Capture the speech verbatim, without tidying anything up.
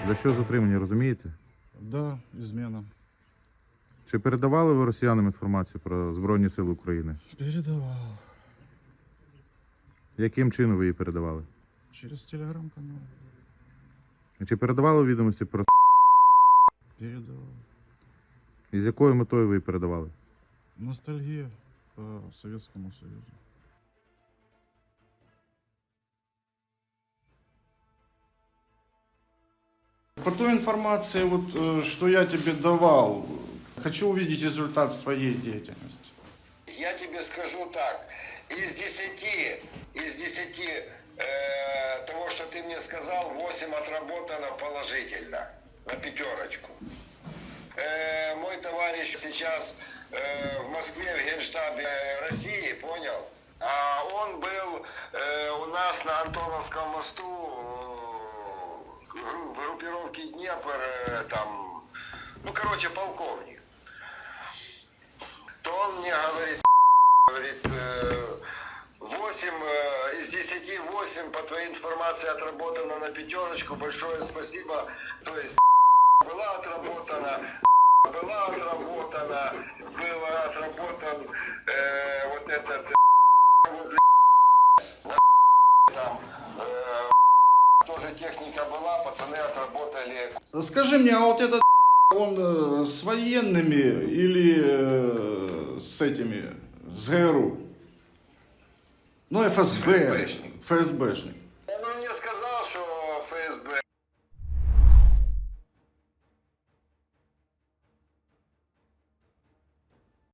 За що затримані, розумієте? Да, измена. Чи передавали ви росіянам інформацію про Збройні Сили України? Передавал. Яким чином ви її передавали? Через телеграм-канал. Чи передавали відомості про Передавал. і з якою метою ви її передавали? Ностальгия по Советскому Союзу. По той информации, вот, э, что я тебе давал, хочу увидеть результат своей деятельности. Я тебе скажу так, из десяти, из десяти э, того, что ты мне сказал, восемь отработано положительно, на пятерочку. Э, мой товарищ сейчас э, в Москве, в Генштабе России, понял? А он был э, у нас на Антоновском мосту э, в группировке Днепр, э, там, ну, короче, полковник. То он мне говорит, говорит, восемь из десяти восемь по твоей информации отработано на пятерочку. Большое спасибо. То есть была отработана, была отработана, было отработан э, вот этот там э, тоже техника была, пацаны отработали. Скажи мне, а вот этот он э, с военными или э, с этими, с ГРУ? Ну, ФСБ, ФСБшник. ФСБшник. Он мне сказал, что ФСБ.